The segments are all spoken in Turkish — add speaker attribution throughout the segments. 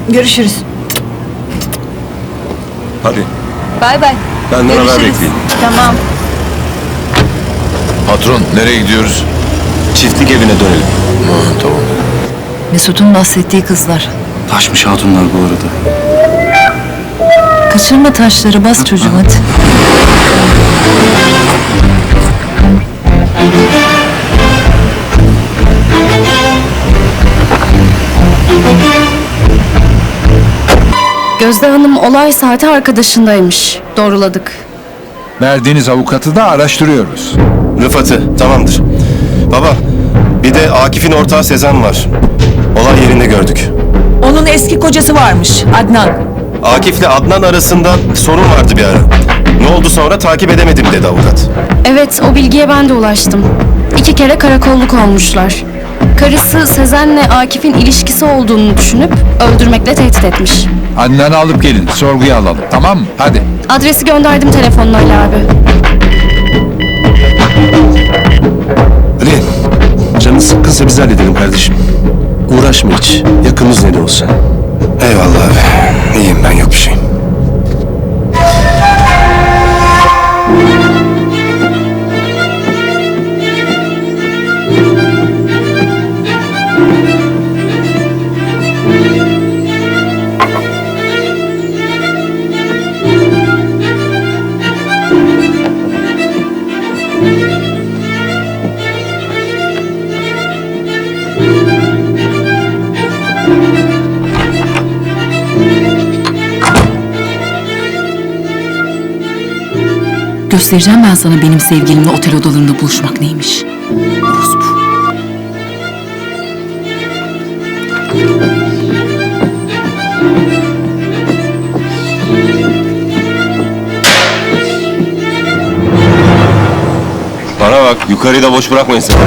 Speaker 1: Görüşürüz.
Speaker 2: Hadi.
Speaker 1: Bay bay.
Speaker 2: Benden haber bekleyin.
Speaker 1: Tamam.
Speaker 3: Patron, nereye gidiyoruz?
Speaker 2: Çiftlik evine dönelim.
Speaker 3: Tamam.
Speaker 4: Mesut'un bahsettiği kızlar.
Speaker 2: Taşmış hatunlar bu arada.
Speaker 4: Kaçırma taşları, bas çocuğum hadi.
Speaker 5: Gözde Hanım olay saati arkadaşındaymış. Doğruladık.
Speaker 3: Verdiğiniz avukatı da araştırıyoruz.
Speaker 2: Rıfat'ı, tamamdır. Baba, bir de Akif'in ortağı Sezen var. Olay yerinde gördük.
Speaker 1: Onun eski kocası varmış, Adnan.
Speaker 2: Akif'le Adnan arasında sorun vardı bir ara. Ne oldu sonra takip edemedim dedi avukat.
Speaker 5: Evet, o bilgiye ben de ulaştım. 2 kere karakolluk olmuşlar. Karısı Sezen'le Akif'in ilişkisi olduğunu düşünüp öldürmekle tehdit etmiş.
Speaker 3: Anneni alıp gelin, sorguya alalım. Tamam mı? Hadi.
Speaker 5: Adresi gönderdim telefonla Ali abi.
Speaker 2: Ali, canın sıkkınsa biz halledelim kardeşim. Uğraşma hiç. Yakınız ne de olsa. Eyvallah abi. İyiyim ben, yok bir şey.
Speaker 4: Göstereceğim ben sana benim sevgilimle otel odalarında buluşmak neymiş. Orospu.
Speaker 2: Bana bak, yukarıyı da boş bırakmayın sakın.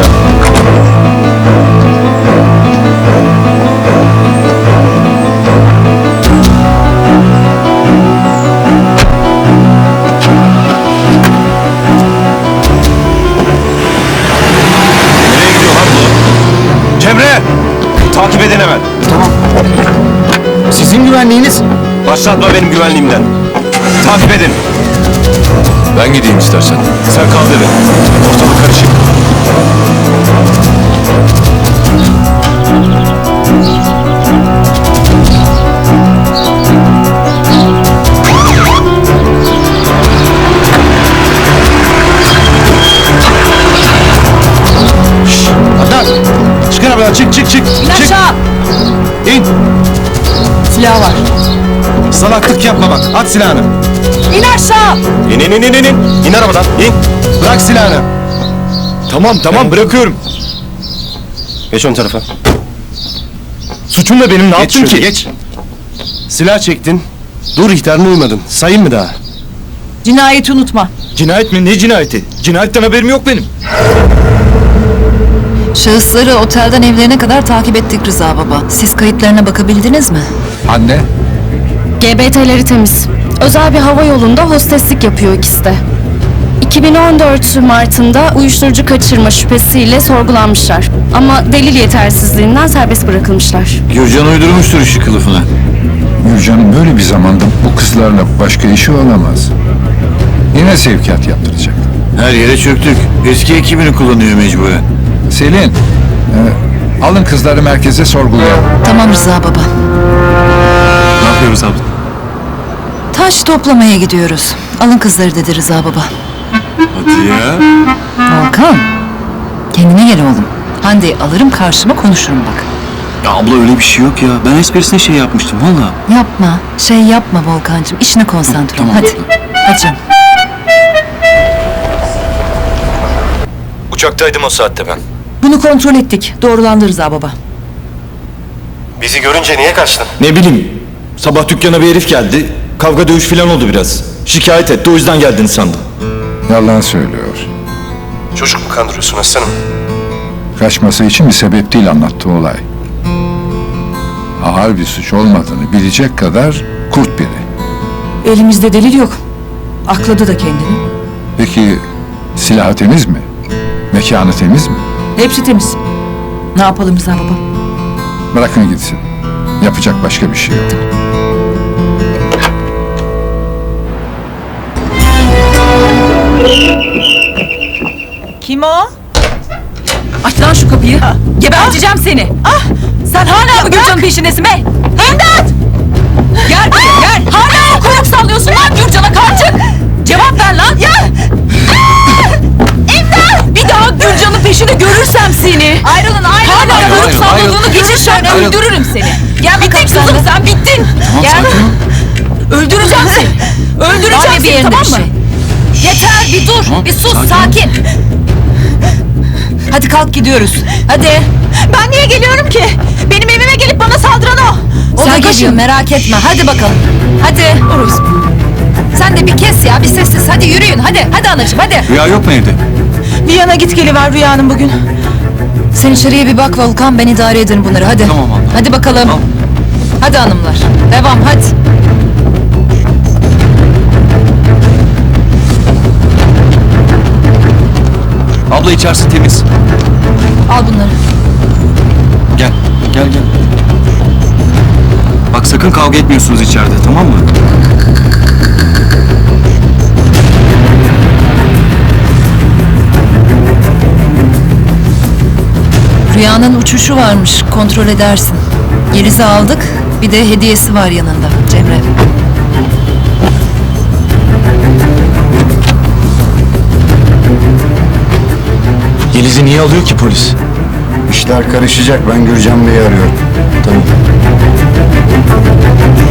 Speaker 2: Nereye gidiyor lan bu? Cemre! Takip edin hemen. Tamam.
Speaker 6: Sizin güvenliğiniz?
Speaker 2: Başlatma benim güvenliğimden. Takip edin.
Speaker 3: Ben gideyim istersen.
Speaker 2: Sen kal dedi. Ortalık karışık.
Speaker 6: Adnan! Çıkın arabadan, çık.
Speaker 1: İn aşağı!
Speaker 6: İn!
Speaker 1: Silah var.
Speaker 6: Salaklık yapma bak, at silahını.
Speaker 1: İn aşağı!
Speaker 2: İn. İn arabadan, in.
Speaker 6: Bırak silahını. Tamam, bırakıyorum.
Speaker 2: Geç ön tarafa.
Speaker 6: Suçum da benim, ne
Speaker 2: Geç
Speaker 6: yaptım
Speaker 2: şöyle,
Speaker 6: ki?
Speaker 2: geç. Silah çektin. Dur ihtarına uymadın. Sayayım mı daha?
Speaker 1: Cinayeti unutma.
Speaker 6: Cinayet mi? Ne cinayeti? Cinayetten haberim yok benim.
Speaker 4: Şahısları otelden evlerine kadar takip ettik Rıza baba. Siz kayıtlarına bakabildiniz mi?
Speaker 3: Anne,
Speaker 5: GBT'leri temiz. Özel bir hava yolunda hosteslik yapıyor ikisi de. 2014 Mart'ında uyuşturucu kaçırma şüphesiyle sorgulanmışlar. Ama delil yetersizliğinden serbest bırakılmışlar.
Speaker 3: Gürcan uydurmuştur işi kılıfına. Gürcan'ın böyle bir zamanda bu kızlarla başka işi olamaz. Yine sevkiyat yaptıracak.
Speaker 7: Her yere çöktük. Eski ekibini kullanıyor mecburen.
Speaker 3: Selin, alın kızları merkeze sorgulayalım.
Speaker 4: Tamam Rıza baba.
Speaker 2: Ne yapıyoruz abla?
Speaker 4: Taş toplamaya gidiyoruz. Alın kızları dedi Rıza baba.
Speaker 7: Hadi ya.
Speaker 4: Volkan. Kendine gel oğlum. Hande'yi alırım karşıma konuşurum bak.
Speaker 7: Ya abla öyle bir şey yok ya. Ben esprisine şey yapmıştım valla.
Speaker 4: Yapma. Şey yapma Volkancığım. İşine konsantre ol.
Speaker 7: Tamam.
Speaker 4: Hadi. Hadi canım.
Speaker 6: Uçaktaydım o saatte ben.
Speaker 1: Bunu kontrol ettik. Doğrulandı Rıza baba.
Speaker 2: Bizi görünce niye kaçtın?
Speaker 6: Ne bileyim, sabah dükkana bir herif geldi. Kavga dövüş falan oldu biraz. Şikayet etti, o yüzden geldin sandım.
Speaker 3: Yalan söylüyor.
Speaker 2: Çocuk mu kandırıyorsun aslanım?
Speaker 3: Kaçması için bir sebep değil anlattığı olay. Ağır bir suç olmadığını bilecek kadar kurt biri.
Speaker 1: Elimizde delil yok. Akladı da kendini.
Speaker 3: Peki silahı temiz mi? Mekanı temiz mi?
Speaker 1: Hepsi temiz. Ne yapalım Rıza baba?
Speaker 3: Bırakın gitsin. Yapacak başka bir şey yok.
Speaker 1: Kim o?
Speaker 4: Aç lan şu kapıyı. Geberteceğim seni.
Speaker 1: Sen hala mı Gürcan'ın peşindesin be? İmdat!
Speaker 4: Gel buraya gel. Hala mı kuyruk sallıyorsun lan Gürcan'a karşı? Cevap ver lan. Ya! İmdat! Bir daha Gürcan'ın peşini görürsem seni.
Speaker 1: Ayrılın
Speaker 4: Hala
Speaker 2: Ayrıl,
Speaker 4: kuyruk
Speaker 2: ayrıl,
Speaker 4: salladığını
Speaker 2: ayrıl.
Speaker 4: geçirsen
Speaker 2: Ayrıl.
Speaker 4: öldürürüm seni. Gel bittin kızım sen bittin.
Speaker 7: Tamam
Speaker 4: Gel.
Speaker 7: sakin ol.
Speaker 4: Öldüreceğim seni. Öldüreceğim
Speaker 1: Var ya bir
Speaker 4: seni
Speaker 1: yerinde
Speaker 4: tamam
Speaker 1: bir
Speaker 4: mı?
Speaker 1: şey.
Speaker 4: Yeter bir dur.
Speaker 7: Tamam,
Speaker 4: Bir sus
Speaker 7: sakin ol.
Speaker 4: sakin.
Speaker 1: Hadi kalk gidiyoruz. Hadi.
Speaker 4: Ben niye geliyorum ki? Benim evime gelip bana saldıran o.
Speaker 1: O da
Speaker 4: Sen
Speaker 1: geliyor merak etme. Hadi bakalım. Hadi. Sen de bir kes ya bir sessiz. Hadi yürüyün hadi. Hadi anacığım hadi.
Speaker 7: Rüya yok mu evde?
Speaker 1: Bir yana git geliver Rüya'nın bugün. Sen içeriye bir bak Volkan ben idare ederim bunları hadi.
Speaker 7: Tamam abla.
Speaker 1: Hadi bakalım.
Speaker 7: Tamam.
Speaker 1: Hadi hanımlar. Devam hadi.
Speaker 7: Abla içerisi temiz.
Speaker 1: Al bunları.
Speaker 7: Gel. Gel gel. Bak sakın kavga etmiyorsunuz içeride, tamam mı?
Speaker 1: Rüya'nın uçuşu varmış kontrol edersin. Yeliz'i aldık bir de hediyesi var yanında Cemre.
Speaker 2: Yeliz'i niye alıyor ki polis?
Speaker 3: İşler karışacak. Ben Gürcan Bey'i arıyorum.
Speaker 2: Tamam.